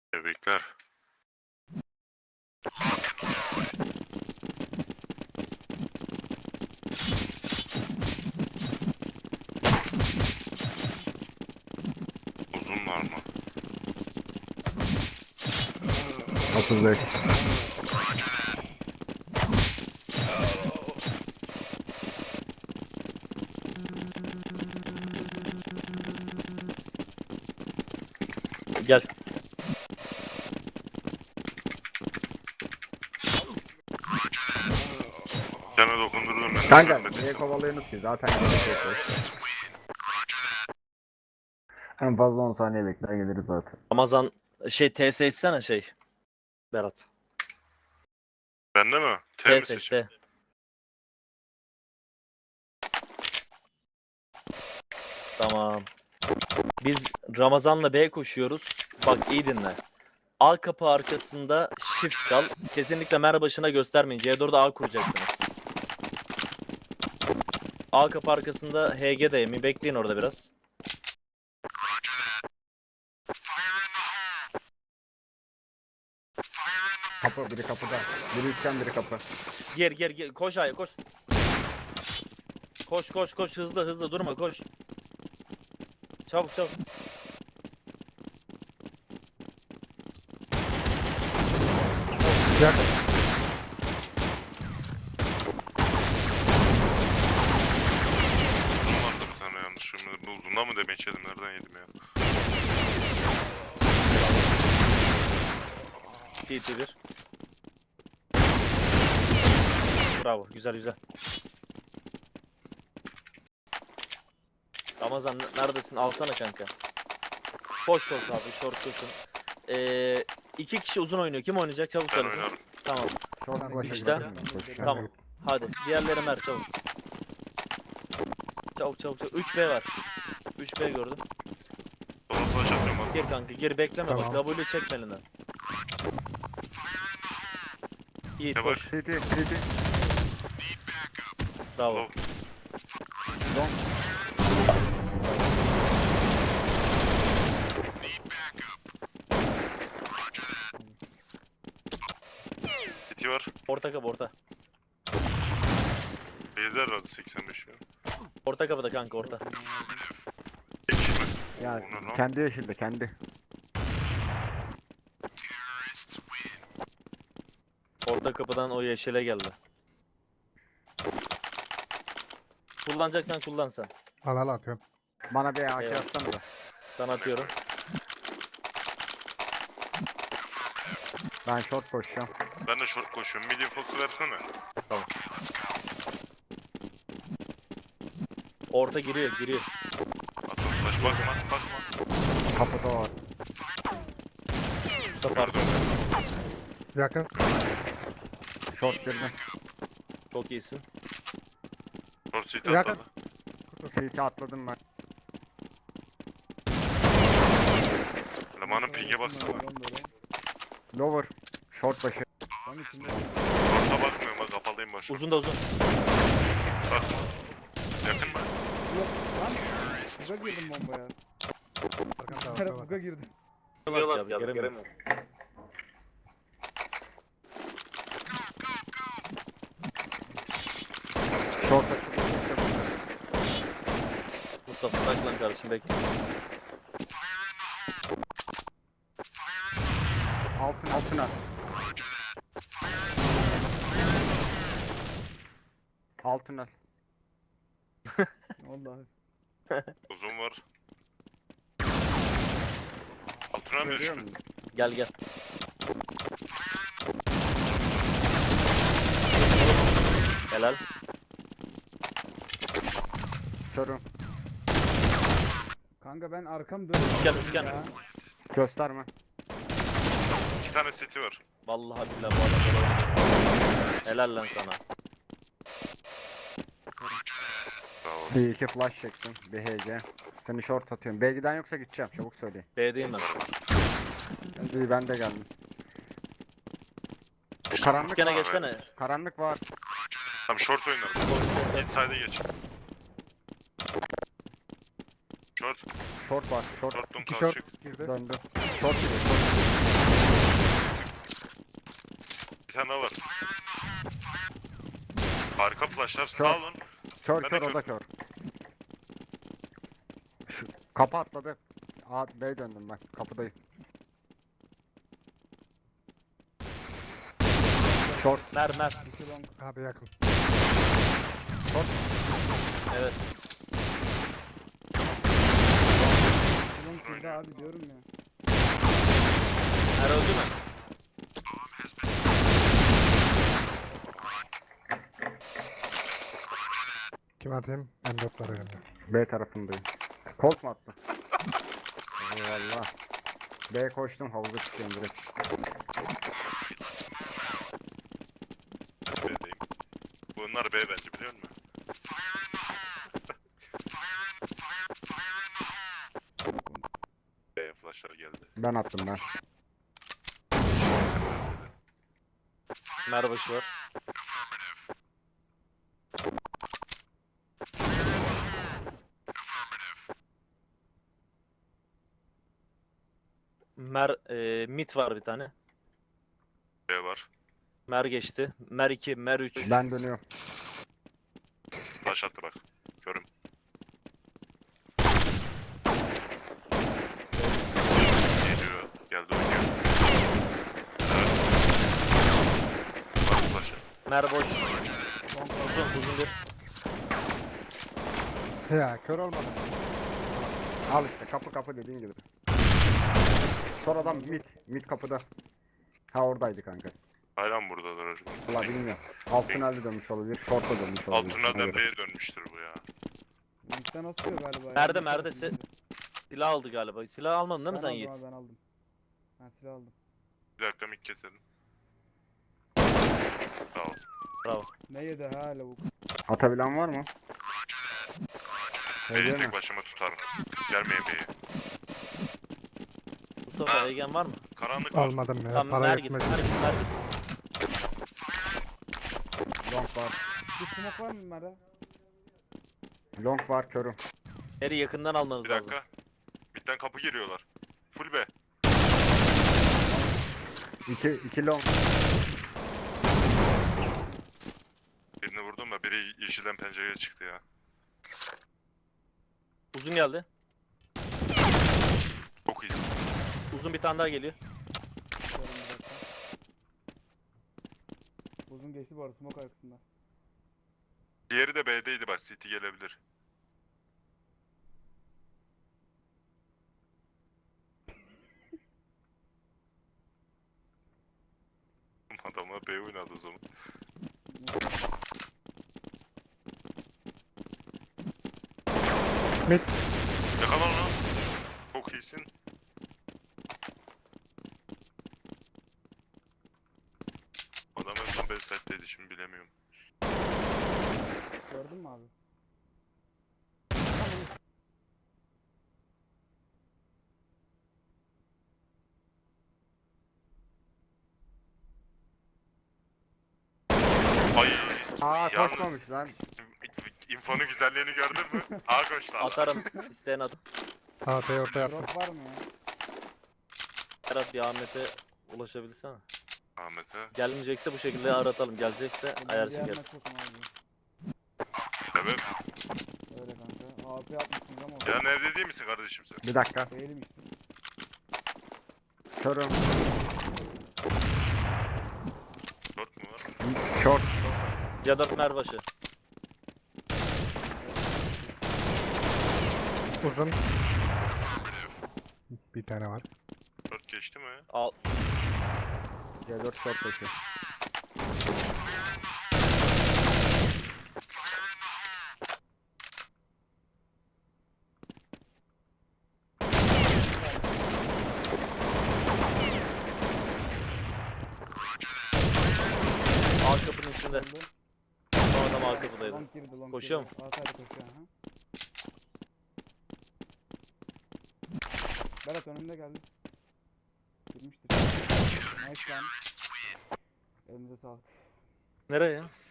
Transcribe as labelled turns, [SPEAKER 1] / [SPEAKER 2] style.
[SPEAKER 1] Tebrikler. Uzun var mı?
[SPEAKER 2] 35.
[SPEAKER 3] Gel.
[SPEAKER 1] Sana dokundurdum ben.
[SPEAKER 2] Kanka
[SPEAKER 1] Düşürmedin
[SPEAKER 2] niye
[SPEAKER 1] sen.
[SPEAKER 2] kovalıyorsunuz ki? Zaten en fazla 10 saniye bekler geliriz zaten.
[SPEAKER 3] Ramazan TS etsene Berat.
[SPEAKER 1] Bende mi? T mi
[SPEAKER 3] TS
[SPEAKER 1] seçeyim?
[SPEAKER 3] T. Tamam. Biz Ramazan'la B koşuyoruz. Bak iyi dinle. A kapı arkasında shift kal. Kesinlikle mer başına göstermeyin. C4'de A kuracaksınız. A kapı arkasında HG dayemi. Bekleyin orada biraz.
[SPEAKER 2] Kapı, biri kapıda. Biri üçgen, biri kapı.
[SPEAKER 3] Gir. Koş A'ya koş. Koş. Hızlı durma koş. Çabuk.
[SPEAKER 2] Yakın.
[SPEAKER 1] Uzun vardı bir tane yanlışım. Bu uzundan mı demeye içelim? Nereden yedim ya?
[SPEAKER 3] CT1. Bravo. Güzel. Ramazan neredesin? Alsana kanka. Koş short abi. Short koşun. İki kişi uzun oynuyor. Kim oynayacak? Çabuk
[SPEAKER 1] Ben
[SPEAKER 3] söylesin.
[SPEAKER 1] oynarım.
[SPEAKER 3] Tamam.
[SPEAKER 2] Çok başa
[SPEAKER 3] İşte.
[SPEAKER 2] gidelim ben, koşacağım.
[SPEAKER 3] Tamam. Hadi. Diğerleri mer çabuk. Çabuk. 3B var. 3B gördüm.
[SPEAKER 1] Sola flash atıyorum abi.
[SPEAKER 3] Gir kanka. Gir bekleme
[SPEAKER 2] Tamam.
[SPEAKER 3] bak. W çek elinden. Yiğit
[SPEAKER 1] Ne
[SPEAKER 3] koş.
[SPEAKER 1] var?
[SPEAKER 2] CT.
[SPEAKER 3] Bravo.
[SPEAKER 1] Low.
[SPEAKER 2] Long.
[SPEAKER 1] City var.
[SPEAKER 3] Orta kapı orta.
[SPEAKER 1] B'de herhalde 85 ya.
[SPEAKER 3] Orta kapıda kanka orta.
[SPEAKER 1] Tek kişi mi?
[SPEAKER 2] Ya
[SPEAKER 1] O ne lan?
[SPEAKER 2] kendi yeşilde, kendi.
[SPEAKER 3] Orta kapıdan o yeşile geldi. Kullanacaksan kullan sen.
[SPEAKER 2] Al atıyorum. Bana bir AK
[SPEAKER 3] Eyvallah.
[SPEAKER 2] atsana da.
[SPEAKER 3] Ben atıyorum.
[SPEAKER 2] Ben short koşacağım.
[SPEAKER 1] Ben de short koşuyorum. Mid infosu versene.
[SPEAKER 3] Tamam. Orta giriyor.
[SPEAKER 1] Atın flash. Bakma.
[SPEAKER 2] Kapıda var.
[SPEAKER 3] Mustafa arka.
[SPEAKER 2] Yakın. Short girdim.
[SPEAKER 3] Çok iyisin.
[SPEAKER 1] Short seat
[SPEAKER 2] Yakın.
[SPEAKER 1] atladı.
[SPEAKER 2] CT atladım ben.
[SPEAKER 1] Elemanın ping'e baksana.
[SPEAKER 2] Lower. Short başı.
[SPEAKER 1] Short'a bakmıyorum ha. Kapalıyım başı.
[SPEAKER 3] Uzun da uzun.
[SPEAKER 1] Bakma. Yakın mı?
[SPEAKER 4] Buga girdim bombaya. Her buga girdim.
[SPEAKER 3] Göremiyorum.
[SPEAKER 2] Short açıldı.
[SPEAKER 3] Mustafa saklan kardeşim bekle.
[SPEAKER 2] Altına. Altına.
[SPEAKER 4] Vallahi.
[SPEAKER 1] Uzun var. Altına mı düştü?
[SPEAKER 3] Gel. Helal.
[SPEAKER 2] Körüm.
[SPEAKER 4] Kanka ben arkam dönüyorum.
[SPEAKER 3] Üçgen.
[SPEAKER 4] Ya.
[SPEAKER 2] Gösterme.
[SPEAKER 1] 2 tane seti var.
[SPEAKER 3] Vallahi billahi bu adam böyle oynuyor. Helal lan sana.
[SPEAKER 1] Bravo.
[SPEAKER 2] Bir iki flash çektim. Bir HC. Seni short atıyorum. B giden yoksa gideceğim. Çabuk söyle.
[SPEAKER 3] B'deyim ben.
[SPEAKER 2] İyi ben de geldim. Karanlık
[SPEAKER 3] Üçgene
[SPEAKER 2] var.
[SPEAKER 3] geçsene.
[SPEAKER 2] Karanlık var.
[SPEAKER 1] Tamam short oynarım.
[SPEAKER 3] Ses ver.
[SPEAKER 1] Inside'e geç. Short.
[SPEAKER 2] Short var. Short
[SPEAKER 1] Short'un
[SPEAKER 5] İki
[SPEAKER 1] karşı.
[SPEAKER 5] short girdi.
[SPEAKER 2] döndü. Short giriyor. Short.
[SPEAKER 1] Bir tane daha var. Harika flashlar.
[SPEAKER 2] Kör.
[SPEAKER 1] Sağ olun.
[SPEAKER 2] Kör
[SPEAKER 1] Ben de
[SPEAKER 2] kör o da kör. Şu, kapı atladı. A, B'ye döndüm ben. Kapıdayım. Short.
[SPEAKER 3] Mer.
[SPEAKER 4] İki long.
[SPEAKER 5] Abi yakın.
[SPEAKER 3] Evet.
[SPEAKER 4] İki long girdi abi diyorum ya.
[SPEAKER 3] Mer öldü mü?
[SPEAKER 5] Kim atayım? M4 var elimde.
[SPEAKER 2] B tarafındayım. Colt mu attı? Eyvallah. B koştum havuza çıkıyorum direkt.
[SPEAKER 1] Ben de B'deyim. Bunlar B bence biliyor musun? B flashlar geldi.
[SPEAKER 2] Ben attım ben.
[SPEAKER 1] Sen böyle.
[SPEAKER 3] Mer başı var. Mer mid var bir tane.
[SPEAKER 1] B var.
[SPEAKER 3] Mer geçti. Mer 2, Mer 3.
[SPEAKER 2] Ben dönüyorum.
[SPEAKER 1] Flash attı bak. Körüm. Geliyor. Geldi oynuyor. Evet. Bak flash'ı.
[SPEAKER 3] Mer boş.
[SPEAKER 4] Long
[SPEAKER 3] Uzun bir.
[SPEAKER 5] Ya kör olmadı.
[SPEAKER 2] Al işte kapı dediğin gibi. Sonradan mid kapıda. Ha oradaydı kanka.
[SPEAKER 1] Hayran buradalar acaba.
[SPEAKER 2] Valla bilmiyorum. Alt tünelde dönmüş olabilir. Short'a dönmüş
[SPEAKER 1] Alt
[SPEAKER 2] olabilir.
[SPEAKER 1] tünelden
[SPEAKER 2] Ona göre.
[SPEAKER 1] B'ye dönmüştür bu ya.
[SPEAKER 4] Linkten asıyor galiba. ya.
[SPEAKER 3] Merde,
[SPEAKER 4] Link
[SPEAKER 3] merde
[SPEAKER 4] tarafında.
[SPEAKER 3] Silah aldı galiba. Silah almadın değil mi
[SPEAKER 4] Ben
[SPEAKER 3] sen
[SPEAKER 4] aldım
[SPEAKER 3] Yiğit?
[SPEAKER 4] abi, ben aldım. Ben silah aldım.
[SPEAKER 1] Bir dakika mik keselim. Sağ ol.
[SPEAKER 3] Bravo.
[SPEAKER 4] Ne yedi ha lavuk?
[SPEAKER 2] Atabilen var mı?
[SPEAKER 1] B'yi
[SPEAKER 2] Öyle mi?
[SPEAKER 1] tek başıma tutarım. Gelmeyin B'ye.
[SPEAKER 3] Mustafa Egen var mı?
[SPEAKER 1] Karanlık var.
[SPEAKER 5] Almadım ya.
[SPEAKER 3] Tamam
[SPEAKER 5] Para
[SPEAKER 3] Mer git,
[SPEAKER 5] yetmez.
[SPEAKER 3] Mer git, Mer git.
[SPEAKER 2] Long var.
[SPEAKER 4] Bir smoke var mı Mer'e?
[SPEAKER 2] Long var körüm.
[SPEAKER 3] Mer'i yakından almanız
[SPEAKER 1] Bir
[SPEAKER 3] lazım.
[SPEAKER 1] dakika. Midden kapı giriyorlar. Full B.
[SPEAKER 2] İki long.
[SPEAKER 1] Birini vurdum da biri yeşilden pencereye çıktı ya.
[SPEAKER 3] Uzun geldi.
[SPEAKER 1] Çok iyisin.
[SPEAKER 3] Uzun bir tane daha geliyor.
[SPEAKER 4] Bakıyorum bir dakika. Uzun geçti bu arada smoke arkasında.
[SPEAKER 1] Diğeri de B'deydi bak. CT gelebilir. Adamlar B oynadı o zaman.
[SPEAKER 5] Mid.
[SPEAKER 1] Yakala onu. Çok iyisin. Adam en son B site'deydi şimdi bilemiyorum.
[SPEAKER 4] Gördün mü abi?
[SPEAKER 1] Ay.
[SPEAKER 2] Aa
[SPEAKER 1] Yalnız
[SPEAKER 2] koşmamış lan.
[SPEAKER 1] infonun güzelliğini gördün mü? A koştu adam.
[SPEAKER 3] Atarım. İsteyen at.
[SPEAKER 5] AP ortaya attım.
[SPEAKER 4] Drop var mı ya?
[SPEAKER 3] Berat bir Ahmet'e ulaşabilsene.
[SPEAKER 1] Ahmet'e.
[SPEAKER 3] Gelmeyecekse bu şekilde aratalım. Gelecekse
[SPEAKER 4] Ben
[SPEAKER 3] ayar
[SPEAKER 4] diğer
[SPEAKER 3] çekeriz.
[SPEAKER 4] maç yokum abi.
[SPEAKER 1] Evet.
[SPEAKER 4] Öyle kanka. AP atmışsınız ama
[SPEAKER 1] Ya evde değil misin kardeşim sen?
[SPEAKER 2] Bir dakika.
[SPEAKER 4] değilim işte.
[SPEAKER 2] Körüm.
[SPEAKER 1] Dört mü var?
[SPEAKER 2] Short.
[SPEAKER 3] C4 Merbaşı.
[SPEAKER 5] Uzun. Bir tane var.
[SPEAKER 1] Dört geçti mi?
[SPEAKER 3] Al.
[SPEAKER 2] C4 short koşuyor.
[SPEAKER 3] Alt kapının içinde.
[SPEAKER 4] Öldü.
[SPEAKER 3] Son adam alt kapıdaydı.
[SPEAKER 4] Long girdi, long
[SPEAKER 3] Koşuyor
[SPEAKER 4] girdi. Altayda koşuyor aha. Berat önümde geldi. Girmiştir. Nice lan. Elinize sağlık.
[SPEAKER 3] Nereye ya?